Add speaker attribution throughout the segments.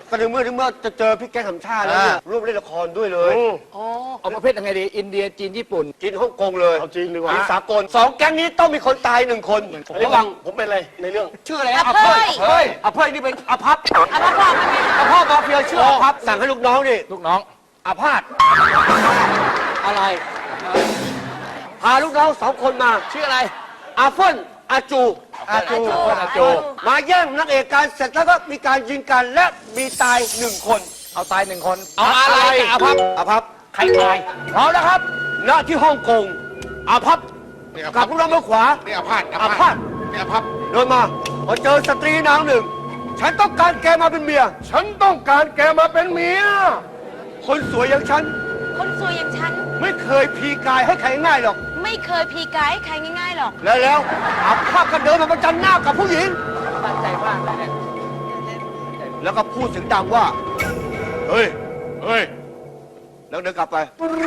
Speaker 1: ก็ในเมื่อจะเจอพี่แก๊งสามชาติแล้วเนี่ยร่วมเล่นละครด้วยเลย
Speaker 2: เอาประเภทยังไงดีอินเดียจีนญี่ปุ่น
Speaker 1: จีนฮ่องกงเลย
Speaker 3: เอาจริงดีกว่า
Speaker 1: สากล2แก๊งนี้ต้องมีคนตาย1 คนระวัง
Speaker 3: ผมเป็นอะไรในเรื่อง
Speaker 1: ชื่ออะไร
Speaker 4: อภัย
Speaker 1: เฮ้ยอภัยนี่เป็นอภัพ
Speaker 4: เอามาบอกมันไง
Speaker 1: อภัพมาเฟียชื่ออภัพสั่งให้ลูกน้องนี่
Speaker 2: ลูกน้อง
Speaker 1: อาพาธอะไรพาลูกน้อง2 คนมา
Speaker 2: ชื่ออะไร
Speaker 1: อาเฟิลอาจู
Speaker 2: อาจู
Speaker 1: มาแย่งนักเอกการเสร็จแล้วก็มีการยิงกันและมีตาย1 คน
Speaker 2: เอาตาย1 คนเอาอะไรกับอาภัพ
Speaker 1: อาภัพ
Speaker 2: ใครตาย
Speaker 1: พร้อมนะครับ ณ ที่ฮ่องกงอาภัพกับลูกน้องมือขวา
Speaker 3: นี่อาพาธ
Speaker 1: อาพาธ
Speaker 3: นี่อาภัพ
Speaker 1: เดินมาพอเจอสตรีนางหนึ่ง ฉันต้องการแกมาเป็นเมีย
Speaker 3: ฉันต้องการแกมาเป็นเมีย
Speaker 1: คนสวยอย่างฉัน
Speaker 4: คนสวยอย่างฉัน
Speaker 1: ไม่เคยพีกายให้ใครง่ายหรอก
Speaker 4: ไม่เคยพีกายให้ใครง่ายๆหรอก
Speaker 1: แล้วอาภาพก็เดินมาประจันหน้ากับผู้หญิง
Speaker 2: ตั้งใจมากเลยเนี่ย
Speaker 1: แล้วก็พูดเสียงดังว่า เฮ้ย
Speaker 3: เฮ้ย
Speaker 1: แล้วเดินกลับไป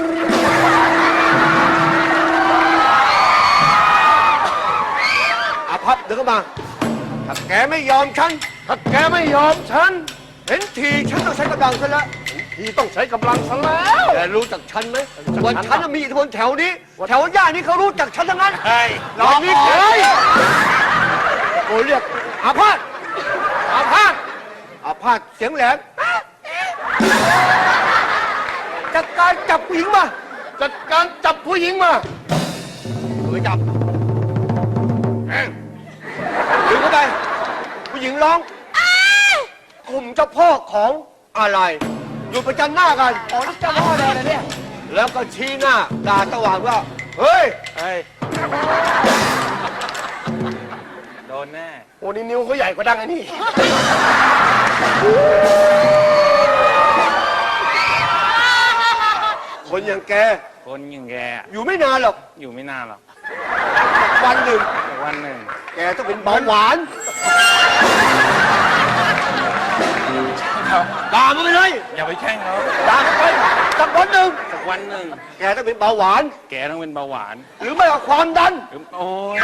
Speaker 1: อาภัพเดินเข้ามา ถ้าแกไม่ยอมฉัน
Speaker 3: ถ้าแกไม่ยอมฉัน
Speaker 1: เห็นทีฉันต้องใช้กำลังซะแล้ว
Speaker 3: ทีต้องใช้กำลังซะแล้ว
Speaker 1: แกรู้จักฉันไหมว่าฉันน่ะมีอิทธิพลแถวนี้ แถวย่านนี้เขารู้จักฉันทั้งนั้น
Speaker 3: ใช่
Speaker 1: เรามีใครโอ้เรียกอาพาธอาพาธอาพาธเสียงแหลมจัดการจับผู้หญิงมา
Speaker 3: จัดการจับผู้หญิงมา
Speaker 1: ไปจับดึงเข้าไป ผู้หญิงร้องกลุ่มเจ้าพ่อของอะไร อยู่ประจันหน้ากัน
Speaker 2: โอ้นี่เจ้าพ่อเลยนะเนี่ย
Speaker 1: แล้วก็ชี้หน้าด่าตะหวานว่า เฮ้ย
Speaker 2: โดนแน่
Speaker 3: โอ้นี่นิ้วเขาใหญ่กว่าดังไอ้นี่
Speaker 1: คนอย่างแก
Speaker 2: คนอย่างแก
Speaker 1: อยู่ไม่นานหรอก
Speaker 2: อยู่ไม่นานหรอก
Speaker 1: วันหนึ่ง
Speaker 2: แต่วันหนึ่ง
Speaker 1: แกต้องเป็นเบาหวาน ด่ามันไปเลย
Speaker 2: อย่าไปแช่งเขา
Speaker 1: ด่ามันไปสักวันหนึ่ง
Speaker 2: สักวันหนึ่ง
Speaker 1: แกต้องเป็นเบาหวาน
Speaker 2: แกต้องเป็นเบาหวาน
Speaker 1: หรือไม่ก็ความดัน
Speaker 2: โอ้ย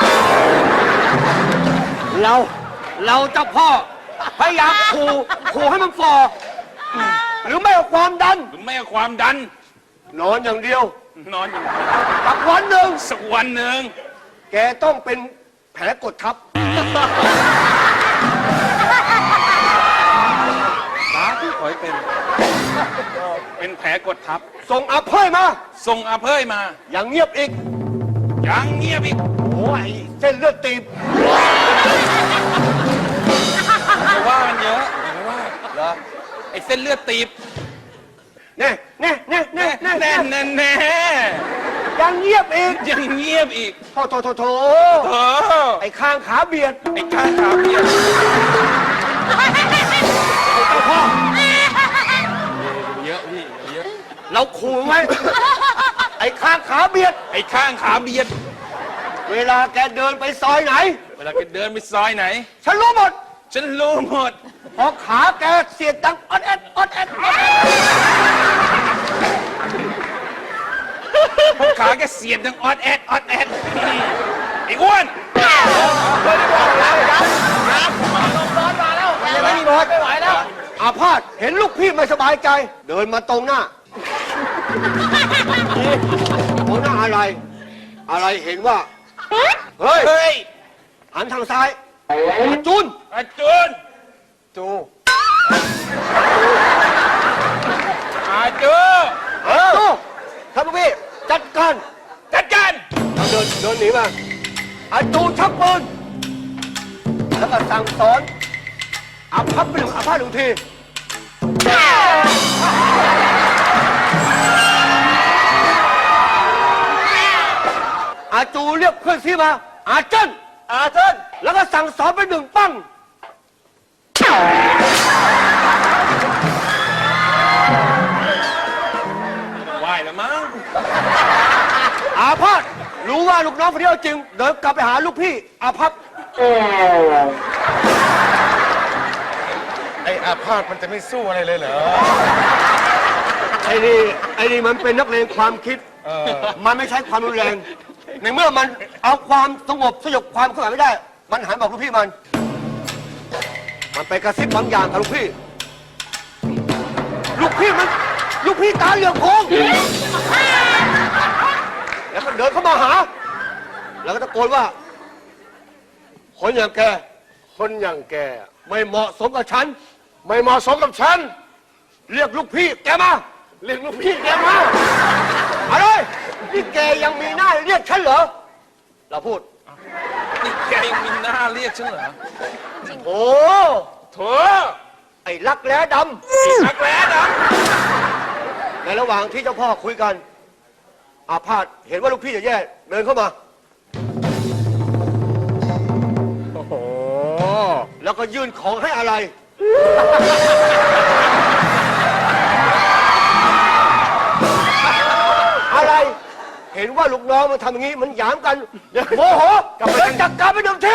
Speaker 1: เราเจ้าพ่อพยายามขู่ให้มันฟอหรือไม่ก็ความดัน
Speaker 2: หรือไม่ก็ความดัน
Speaker 1: นอนอย่างเดียว
Speaker 2: นอนอยู่
Speaker 1: สักวันหนึ่ง
Speaker 2: สักวันหนึ่ง
Speaker 1: แกต้องเป็นแผลกดทับ
Speaker 2: สาธุขอให้เป็นแผลกดทับ
Speaker 1: ส่งอาเพยมา
Speaker 2: ส่งอาเพยมา
Speaker 1: อย่างเงียบอีก
Speaker 2: ยังเงียบอีก
Speaker 1: โอ้ยเส้นเลือดตีบ
Speaker 2: อย่าว่ามันเยอะ
Speaker 1: เหรอ
Speaker 2: ไอ้เส้นเลือดตีบ
Speaker 1: แน่แน่แน่แน่แน่
Speaker 2: แน่แน่
Speaker 1: ยังเงียบอีก
Speaker 2: ยังเงียบอีก
Speaker 1: โถ
Speaker 2: เออ
Speaker 1: ไอ้ข้างขาเบียด
Speaker 2: ไอ้ข้างขาเบียด
Speaker 1: เจ้าพ่อ
Speaker 2: เยอะพี่เยอะ
Speaker 1: เราขู่ไว้ ไอ้ข้างขาเบียด
Speaker 2: ไอ้ข้างขาเบียด
Speaker 1: เวลาแกเดินไปซอยไหน
Speaker 2: เวลาแกเดินไปซอยไหน
Speaker 1: ฉันรู้หมด
Speaker 2: ฉันรู้หมด
Speaker 1: พอขาแกเสียดดังออดแอดออดแอดออดแอด
Speaker 2: พวกขาแกเสียบดังออดแอดออดแอดไอ้อ้วน
Speaker 1: ยังไม่มีหมดไม่ไหวแล้วอาพาธเห็นลูกพี่ไม่สบายใจ เดินมาตรงหน้าตรงหน้าอะไร อะไรเห็นว่า เฮ้ย
Speaker 2: เฮ้ย
Speaker 1: หันทางซ้ายจุน
Speaker 2: อาจูน
Speaker 1: จู
Speaker 2: อาจู
Speaker 1: จูครับลูกพี่จัดการ
Speaker 2: จัดการ
Speaker 1: เดินหนีมาอาจูชักปืนแล้วก็สั่งสอนอาพับไปหนึ่งอาพาธหนึ่งทีอาจูเรียกเพื่อนซีมาอาเจิ้นแล้วก็สั่งสอนไปหนึ่งปั้ง
Speaker 2: ไหวแล้วมั้ง
Speaker 1: อาภัพรู้ว่าลูกน้องคนนี้เอาจริง เดินกลับไปหาลูกพี่อาภัพ
Speaker 3: ไอ้อาพาธมันจะไม่สู้อะไรเลยเหรอ
Speaker 1: ไอ้นี่มันเป็นนักเลงความคิด มันไม่ใช้ความรุนแรง ในเมื่อมันเอาความสงบสยบความเคลื่อนไหวไม่ได้ มันหันบอกลูกพี่มันไปกระซิบบางอย่างกับลูกพี่ลูกพี่ตาเหลือกโพงแล้วก็เดินเข้ามาหา แล้วก็ตะโกนว่า คนอย่างแก
Speaker 3: คนอย่างแก
Speaker 1: ไม่เหมาะสมกับฉัน
Speaker 3: ไม่เหมาะสมกับฉัน
Speaker 1: เรียกลูกพี่แกมา
Speaker 3: เรียกลูกพี่แกมา
Speaker 1: อะไรนี่แกยังมีหน้าเรียกฉันเหรอ เราพูด
Speaker 2: นี่แกยังมีหน้าเรียกฉันเหรอ
Speaker 1: โอ้
Speaker 3: เถอะ
Speaker 1: ไอ้รักแร้ด
Speaker 3: รักแร้นะ
Speaker 1: ำในระหว่างที่เจ้าพ่อคุยกัน อาพาธเห็นว่าลูกพี่จะแย่เดินเข้ามา
Speaker 3: โอ้โห
Speaker 1: แล้วก็ยื่นของให้อะไร อะไร เห็นว่าลูกน้องมันทำอย่างนี้มันหยามกันโมโหเลยจัดการไปหนึ่งที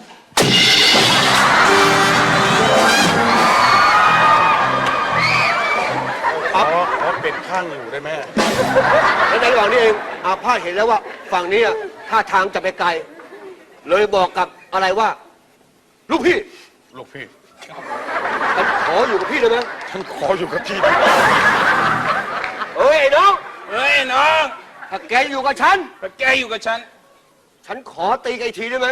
Speaker 3: ขอเป็ดข้างอยู่ได้ไหม
Speaker 1: และในระหว่างนี้เองอาพาธเห็นแล้วว่าฝั่งนี้อะท่าทางจะไปไกล เลยบอกกับอะไรว่า ลูกพี่
Speaker 3: ลูกพี่
Speaker 1: ฉันขออยู่กับพี่ได้ไหม
Speaker 3: ฉันขออยู่กับที่นี่
Speaker 1: เอ้ยไอ้น้อง
Speaker 2: เฮ้ยน้อง
Speaker 1: ถ้าแกอยู่กับฉัน
Speaker 2: ถ้าแกอยู่กับฉัน
Speaker 1: ฉันขอตีแกอีกทีได้ไหม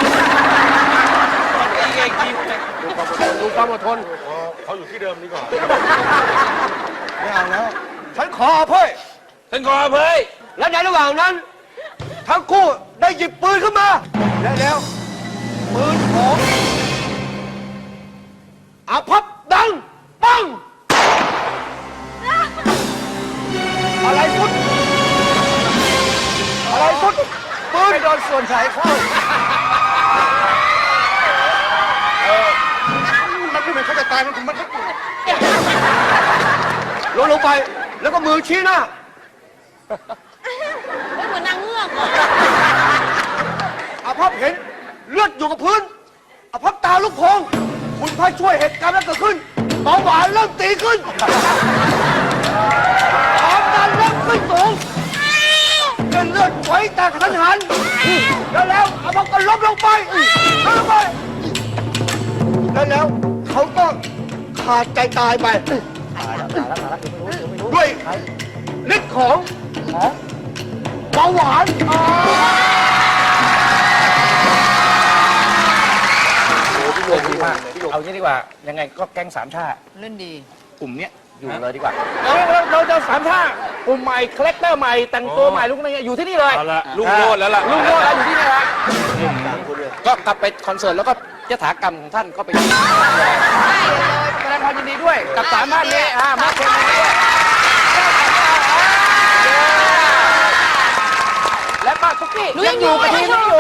Speaker 2: ตีแกอีกที
Speaker 3: ดูความอดทนเขาอยู่ที่เดิมดีกว่าไม่เอาแล้ว
Speaker 1: ฉันขออภัย
Speaker 2: ฉันขออภัย
Speaker 1: และในระหว่างนั้น ทั้งคู่ได้หยิบปืนขึ้นมา และแล้วปืนของอาพับดังปังอะไรสุดอะไรสุดปืนไปโดนส่วนสายเข้า
Speaker 3: มันไม่เหมือนเขาจะตายมันก็
Speaker 1: ลงไปแล้วก็มือชี้หน้า
Speaker 4: ไม่เหมือนนางเงือกเหรอ
Speaker 1: อาภัพเห็นเลือดอยู่กับพื้นอาภัพตาลูกโพงคุณพระช่วยเหตุการณ์นั้นเกิดขึ้นเบาหวานเริ่มตีขึ้นความดันเริ่มขึ้นสูงเส้นเลือดไหวแตกกระทันหันแล้วอาภัพก็ล้มลงไปล้มลงไปแล้วเขาก็ขาดใจตายไปด้วยฤทธิ์ของเบาหวาน
Speaker 5: ดีมากเอางี้ดีกว่า ยังไงก็แก๊งสามชา
Speaker 6: เล่นดี
Speaker 5: กลุ่มเนี้ยอยู่เลยดีกว่าเราจะสามชากลุ่มใหม่คาแรคเตอร์ใหม่แต่งตัวใหม่ลุกอะไรเงี้ยอยู่ที่นี่เลย
Speaker 2: เอาละลุงโลดแล้วล่ะ
Speaker 5: ลุงโลดแล้วอยู่ที่นี่ละก็กลับไปคอนเสิร์ตแล้วก็ยถากรรมของท่านก็ไปได้เลยแสดงความยินดีด้วยกับสามท่านนี้มาเชิญด้วยและป้าตุ๊กกี้
Speaker 4: หนูยังอยู่กับทีมนี้